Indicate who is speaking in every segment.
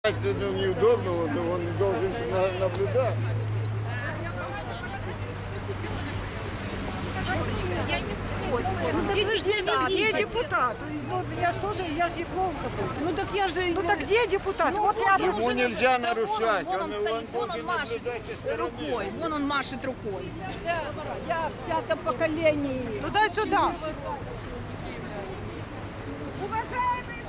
Speaker 1: Это неудобно, он должен наблюдать.
Speaker 2: Ну так вы же депутат.
Speaker 3: Где депутат? Ну, я что же, я же клоун какой-то.
Speaker 2: Ну так я же...
Speaker 3: Ну так где депутат?
Speaker 2: Ну,
Speaker 3: вот я
Speaker 1: Ему нельзя нарушать.
Speaker 2: Вон он стоит, вон он
Speaker 1: должен
Speaker 2: машет
Speaker 1: наблюдать со стороны.
Speaker 2: рукой, вон он машет рукой.
Speaker 3: Я в пятом поколении.
Speaker 4: Ну дай сюда.
Speaker 3: Уважаемые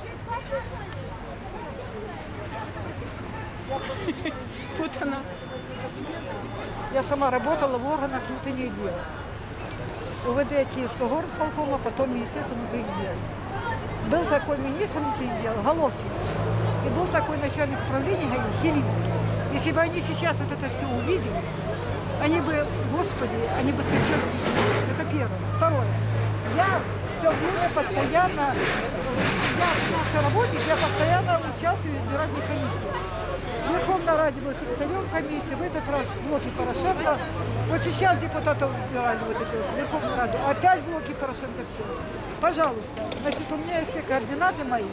Speaker 2: Вот она.
Speaker 3: Я сама работала в органах внутренних дел. УВД Киевского горосполкома, потом Министерство внутренних дел. Был такой министр внутренних дел, Головчин, и был такой начальник управления ГАИ, Хелинский. Если бы они сейчас вот это все увидели, они бы, господи, они бы скачали. Это первое. Второе. Я все время постоянно, я наший работник, я постоянно участвую в избирательной комиссии. В Верховной Раде был секретарем комиссии, в этот раз в блоке Порошенко. Вот сейчас депутатов выбирали вот эту вот Верховную Раду, опять в блоке Порошенко все. Пожалуйста, значит, у меня есть все координаты мои.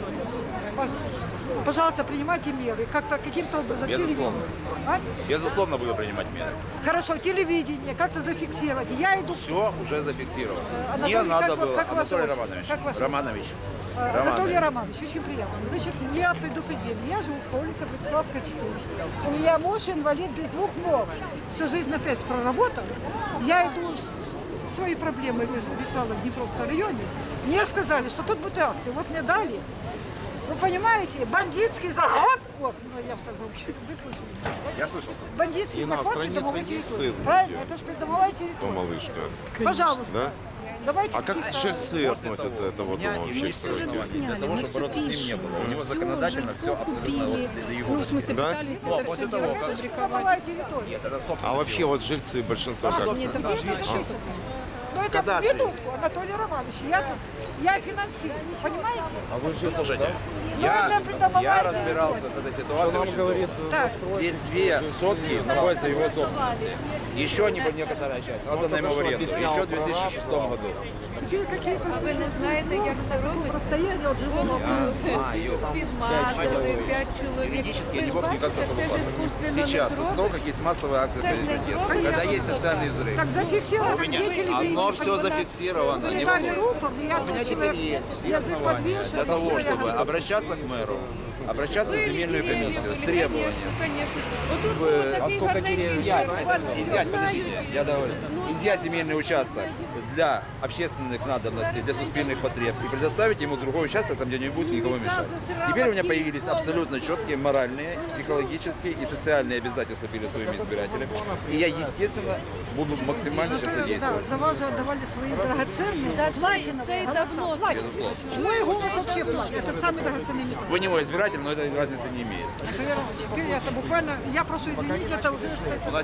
Speaker 3: Пожалуйста, принимайте меры. Как-то каким-то образом.
Speaker 5: Безусловно.
Speaker 3: А?
Speaker 5: Безусловно, буду принимать меры.
Speaker 3: Хорошо, телевидение, как-то зафиксировать. Я иду.
Speaker 5: Все уже зафиксировано.
Speaker 3: Анатолий,
Speaker 5: Не надо
Speaker 3: как
Speaker 5: было.
Speaker 3: ваше
Speaker 5: Анатолий
Speaker 3: отчество?
Speaker 5: Романович.
Speaker 3: Как ваше
Speaker 5: Романович.
Speaker 3: Анатолий Романович, очень приятно. Значит, меня предупредили. Я живу по улице Братиславская, 4. У меня муж инвалид без двух ног. Всю жизнь на ТЭЦ проработал. Я иду, свои проблемы решала в Днепровском районе. Мне сказали, что тут будет акция. Вот мне дали. Вы понимаете, бандитский захват. Вот, ну я так вы слышали.
Speaker 5: Я слышал.
Speaker 3: Бандитский
Speaker 6: И на
Speaker 3: захват
Speaker 6: странице
Speaker 3: придомовой
Speaker 6: есть в
Speaker 3: территории.
Speaker 6: Фейсбуке?
Speaker 3: Правильно? Это же придомовая
Speaker 6: То
Speaker 3: территория.
Speaker 6: малышка.
Speaker 3: Пожалуйста.
Speaker 6: Да?
Speaker 3: Давайте
Speaker 6: А как
Speaker 3: каких-то-
Speaker 6: часы относятся это вот
Speaker 5: Меня
Speaker 6: он вообще
Speaker 5: юрист
Speaker 6: строит?
Speaker 5: для
Speaker 2: Сняли,
Speaker 5: того,
Speaker 2: мы
Speaker 5: чтобы
Speaker 2: все
Speaker 5: бороться с ним не
Speaker 2: пишем.
Speaker 5: было. У него
Speaker 2: Всё,
Speaker 5: законодательно все
Speaker 2: жильцов
Speaker 5: абсолютно
Speaker 2: купили.
Speaker 5: вот до его
Speaker 2: Ну, в смысле,
Speaker 6: Да?
Speaker 2: пытались
Speaker 5: Ну, а
Speaker 2: это
Speaker 5: после
Speaker 2: все
Speaker 5: того,
Speaker 2: дело
Speaker 5: как-
Speaker 2: сфабриковать.
Speaker 3: Придомовая территория.
Speaker 5: Нет, это собственно.
Speaker 6: А вообще вот жильцы большинство как?
Speaker 2: Нет, там тоже чесаться.
Speaker 3: Но это
Speaker 5: Когда
Speaker 3: минутку, Анатолий Романович, я финансирую, понимаете?
Speaker 5: А вы же слушайте.
Speaker 3: Ну, это придомовая
Speaker 5: Я
Speaker 3: территория.
Speaker 5: разбирался с этой ситуацией. очень долго.
Speaker 3: Так,
Speaker 5: Здесь 2 сотки находятся в его собственности. Еще некоторая часть отдана ему в аренду. Еще в 2006 году.
Speaker 3: теперь какие-то... Ви не знаєте, як це робить? Расстояние от живого.
Speaker 4: Підмазали 5 чоловік.
Speaker 5: Юридически я не
Speaker 4: Ви
Speaker 5: мог никак
Speaker 4: бачите, це ж
Speaker 5: покупаться.
Speaker 4: іскусственно не
Speaker 5: Сейчас, после того,
Speaker 4: зробить.
Speaker 5: как есть массовая акция
Speaker 4: Це ж не
Speaker 5: протеста,
Speaker 4: зробить.
Speaker 5: когда есть социальный взрыв.
Speaker 3: Так зафиксировано,
Speaker 5: У меня
Speaker 3: где телевидение.
Speaker 5: оно все зафиксировано. не
Speaker 3: Вырывали
Speaker 5: волнуйтесь.
Speaker 3: рупор, я
Speaker 5: У меня
Speaker 3: тут
Speaker 5: теперь
Speaker 3: человек,
Speaker 5: есть
Speaker 3: язык
Speaker 5: основания
Speaker 3: подвешен.
Speaker 5: для того,
Speaker 3: всё, я
Speaker 5: чтобы
Speaker 3: говорю.
Speaker 5: обращаться к мэру, обращаться в земельную комиссию с требованием.
Speaker 4: Отут
Speaker 5: в-
Speaker 4: було
Speaker 5: а
Speaker 4: такий
Speaker 5: сколько
Speaker 4: гарненький
Speaker 5: деревьев?
Speaker 4: шар.
Speaker 5: Изъять, подождите, я доволен. Изъять земельный участок для общественных надобностей, для суспільных потреб и предоставить ему другой участок, там, где не будет никому мешать. Теперь у меня появились абсолютно четкие моральные, психологические и социальные обязательства перед своими избирателями. И я, естественно, буду максимально сейчас
Speaker 3: Да,
Speaker 5: содействовать.
Speaker 3: за вас же отдавали свои драгоценные, платиновые
Speaker 4: це й
Speaker 3: голоса.
Speaker 4: давно.
Speaker 3: Платиновые.
Speaker 5: Безусловно.
Speaker 3: Мой голос вообще платит. Это самый драгоценный металл.
Speaker 5: Вы не мой избиратель, но это разницы не имеет.
Speaker 3: Теперь это буквально, я прошу извинить, это уже...